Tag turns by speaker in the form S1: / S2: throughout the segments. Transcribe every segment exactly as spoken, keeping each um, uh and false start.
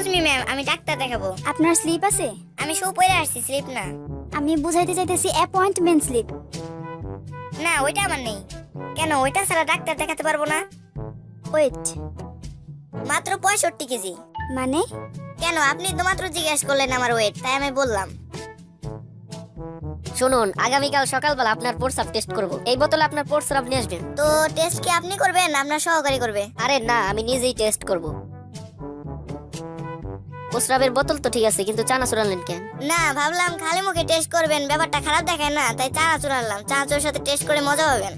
S1: Me ma'am, আমি doctor দেখাবো।
S2: আপনার স্লিপ আছে?
S1: আমি শু পরে আসছি, স্লিপ না।
S2: আমি বুঝাইতে চাইতেছি অ্যাপয়েন্টমেন্ট স্লিপ।
S1: না, ওইটা আমার নেই। কেন, ওইটা ছাড়া ডাক্তার দেখাতে পারবো না?
S2: ওয়েট,
S1: মাত্র পঁয়ষট্টি কেজি।
S2: মানে?
S1: কেন, আপনি তো মাত্র জিজ্ঞেস করলেন আমার ওয়েট, তাই আমি বললাম।
S3: শুনুন, আগামীকাল সকালবেলা আপনার প্রস্রাব টেস্ট করব। এই বোতলে আপনার প্রস্রাব নিয়ে আসবেন।
S1: তো টেস্ট কি আপনি করবেন, আপনার সহকারী করবে?
S3: আরে না, আমি নিজেই টেস্ট করব। প্রস্রাবের বোতল তো ঠিক আছে, কিন্তু চানা চুরালেন কেন?
S1: না, ভাবলাম খালি মুখে টেস্ট করবেন, ব্যাপারটা খারাপ দেখায় না, তাই চানাচুর আনলাম। চানাচুরের সাথে টেস্ট করে মজা পাবেন।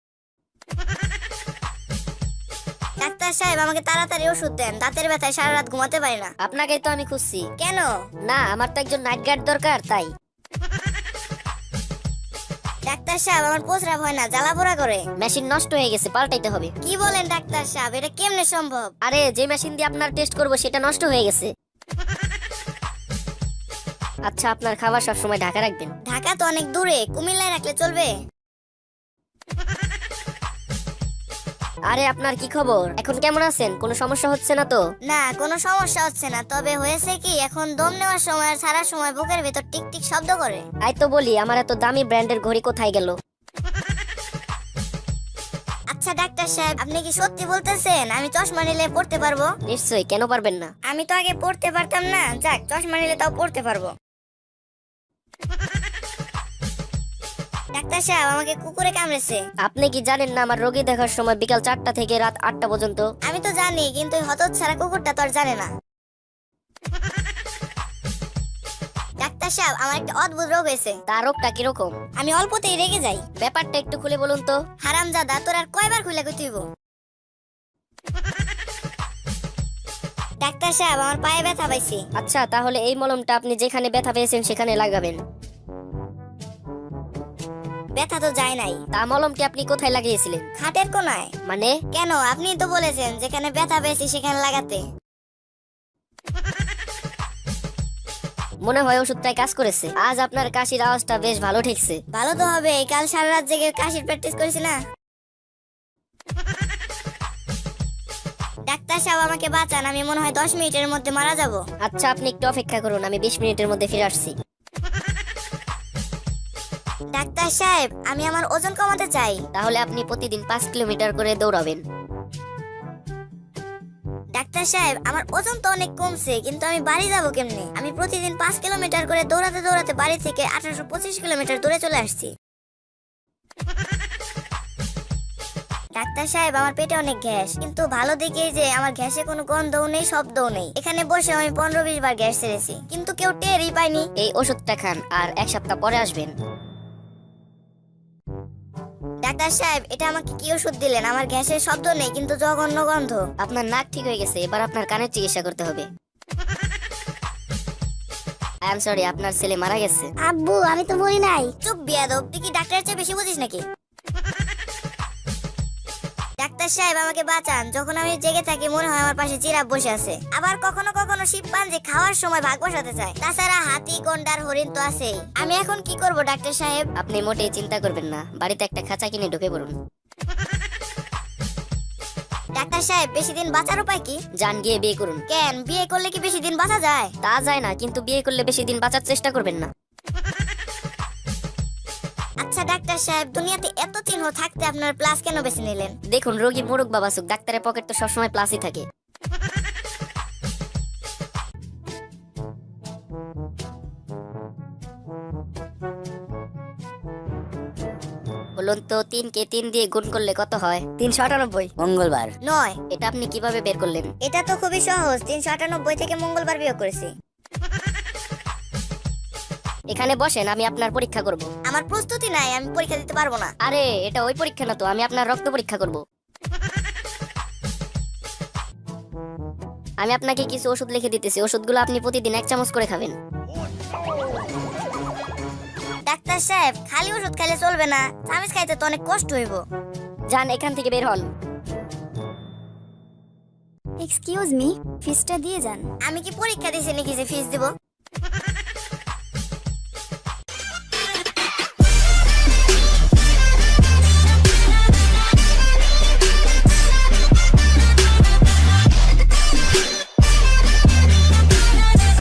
S1: ডাক্তার সাহেব, আমাকে তাড়াতাড়ি ওষুধ দেন, দাঁতের ব্যথায় সারা রাত ঘুমাতে পারি না।
S3: আপনাকেই তো আমি খুঁজছি।
S1: কেন?
S3: না, আমার তো একজন নাইট গার্ড দরকার, তাই।
S1: ডাক্তার সাহেব, আমার প্রস্রাব হয় না, জ্বালা পোড়া করে।
S3: মেশিন নষ্ট হয়ে গেছে, পাল্টাইতে হবে।
S1: কি বলেন ডাক্তার সাহেব, এটা কেমনে সম্ভব?
S3: আরে, যে মেশিন দিয়ে আপনার টেস্ট করব সেটা নষ্ট হয়ে গেছে। আচ্ছা, আপনার খাবার সব সময় ঢাকা রাখবেন।
S1: ঢাকা তো অনেক দূরে, কুমিল্লায় রাখলে চলবে?
S3: আরে, আপনার কি খবর? এখন কেমন আছেন? কোনো সমস্যা হচ্ছে না তো?
S1: না, কোনো সমস্যা হচ্ছে না, তবে হয়েছে কি, এখন দম নেওয়ার সময় আর ছাড়ার সময় বুকের ভেতর টিক টিক শব্দ করে।
S3: তাই তো বলি, আমার এত দামি ব্র্যান্ডের ঘড়ি কোথায় গেল?
S1: আচ্ছা ডাক্তার সাহেব, আপনি কি সত্যি বলতেছেন আমি চশমা নিলে পড়তে পারবো?
S3: নিশ্চয়ই, কেন পারবেন না?
S1: আমি তো আগে পড়তে পারতাম না, যাক, চশমা নিলে তাও পড়তে পারবো। ডাক্তার সাহেব, আমাকে কুকুরে কামড়েছে।
S3: আপনি কি জানেন না আমার রোগী দেখার সময় বিকাল চারটা থেকে রাত আটটা পর্যন্ত?
S1: আমি তো জানি, কিন্তু ওই হতচ্ছাড়া কুকুরটা তো আর জানে না। ডাক্তার সাহেব, আমার একটা অদ্ভুত রোগ হয়েছে।
S3: তার রোগটা কিরকম?
S1: আমি অল্পতেই রেগে যাই।
S3: ব্যাপারটা একটু খুলে বলুন তো।
S1: হারামজাদা, তোর আর কয়বার খুলে কইতে হইব? ডাক্তার সাহেব, আমার পায়ে ব্যথা পাইছি।
S3: আচ্ছা, তাহলে এই মলমটা আপনি যেখানে ব্যথা পেয়েছেন সেখানে লাগাবেন।
S1: ব্যথা তো যায় নাই।
S3: তা মলমটি আপনি কোথায় লাগিয়েছিলেন?
S1: খাটের কোনায়।
S3: মানে?
S1: কেন, আপনি তো বলেছেন যেখানে ব্যথা পেয়েছি সেখানে লাগাতে।
S3: মনে হয় ওষুধটাই কাজ করেছে। আজ আপনার কাশির আওয়াজটা বেশ ভালো ঠেকছে।
S1: ভালো তো হবে, কাল সারা রাত জেগে কাশির প্র্যাকটিস করেছি না। ডাক্তার সাহেব, আমাকে বাঁচান, আমি মনে হয় দশ মিনিটের মধ্যে মারা যাব।
S3: আচ্ছা, আপনি একটু অপেক্ষা করুন, আমি বিশ মিনিটের মধ্যে ফিরে আসছি।
S1: ডাক্তার সাহেব, আমি আমার ওজন কমাতে চাই।
S3: তাহলে আপনি প্রতিদিন পাঁচ কিলোমিটার করে দৌড়াবেন।
S1: ডাক্তার সাহেব, আমার ওজন তো অনেক কমছে, কিন্তু আমি বাড়ি যাব কেমনে? আমি প্রতিদিন পাঁচ কিলোমিটার করে দৌড়াতে দৌড়াতে বাড়ি থেকে আঠারোশো পঁচিশ কিলোমিটার দূরে চলে আসছি। ডাক্তার সাহেব, আমার পেটে অনেক গ্যাস, কিন্তু ভালো দিকে যে আমার গ্যাসে কোনো গন্ধও নেই, শব্দও নেই। এখানে বসে আমি পনেরো বিশ বার গ্যাস ছেড়েছি, কিন্তু কেউ টেরই পায়নি।
S3: এই ওষুধটা খান, আর এক সপ্তাহ পরে আসবেন।
S1: ডাক্তার সাহেব, এটা আমাকে কি ওষুধ দিলেন? আমার গ্যাসের শব্দ নেই, কিন্তু জঘন্য গন্ধ।
S3: আপনার নাক ঠিক হয়ে গেছে, এবার আপনার কানের চিকিৎসা করতে হবে। আই এম সরি, আপনার ছেলে মারা গেছে।
S2: আব্বু, আমি তো মরি নাই।
S1: চুপ বিয়াদব, তুই কি ডাক্তারের চেয়ে বেশি বুঝিস নাকি? ডাক্তার সাহেব, আমাকে বাঁচান, যখন আমি জেগে থাকি মনে হয় আমার পাশে জিরাফ বসে আছে। আবার কখনো কখনো শিম্পাঞ্জি খাওয়ার সময় ভাগ বসাতে চায়। তাছাড়া হাতি, গন্ডার, হরিণ তো আছেই। আমি এখন কি করব ডাক্তার সাহেব?
S3: আপনি মোটেই চিন্তা করবেন না, বাড়িতে একটা খাঁচা কিনে ঢুকে পড়ুন।
S1: ডাক্তার সাহেব, বেশি দিন বাঁচার উপায় কি?
S3: যান, গিয়ে বিয়ে করুন।
S1: কেন, বিয়ে করলে কি বেশি দিন বাঁচা যায়?
S3: তা যায় না, কিন্তু বিয়ে করলে বেশি দিন বাঁচার চেষ্টা করবেন না।
S1: আচ্ছা ডাক্তার সাহেব, দুনিয়াতে এত চিহ্ন থাকতে আপনার প্লাস কেন বেছে নিলেন?
S3: দেখুন, রোগী মোরগ বাবাসুক, ডাক্তারের পকেট তো সবসময় প্লাসই থাকে। বলুন তো, তিন কে তিন দিয়ে গুণ করলে কত হয়? তিনশো আটানব্বই।
S4: মঙ্গলবার।
S1: নয়।
S3: এটা আপনি কিভাবে বের করলেন?
S1: এটা তো খুবই সহজ, তিনশো আটানব্বই থেকে মঙ্গলবার বিয়োগ করেছি।
S3: এখানে বসেন, আমি আপনার পরীক্ষা করব।
S1: আমার প্রস্তুতি নাই, আমি পরীক্ষা দিতে পারবো না।
S3: আরে, এটা ওই পরীক্ষা না তো, আমি আপনার রক্ত পরীক্ষা করব। আমি আপনাকে কিছু ওষুধ লিখে দিতেছি, ওষুধগুলো আপনি প্রতিদিন এক চামচ করে খাবেন।
S1: ডাক্তার সাহেব, খালি ওষুধ খাইলে চলবে না, চামিচ খাইতে তো অনেক কষ্ট হইব।
S3: যান, এখান থেকে বের হন।
S2: এক্সকিউজ মি, ফিসটা দিয়ে যান।
S1: আমি কি পরীক্ষা দিছি নাকি যে ফিস দিব?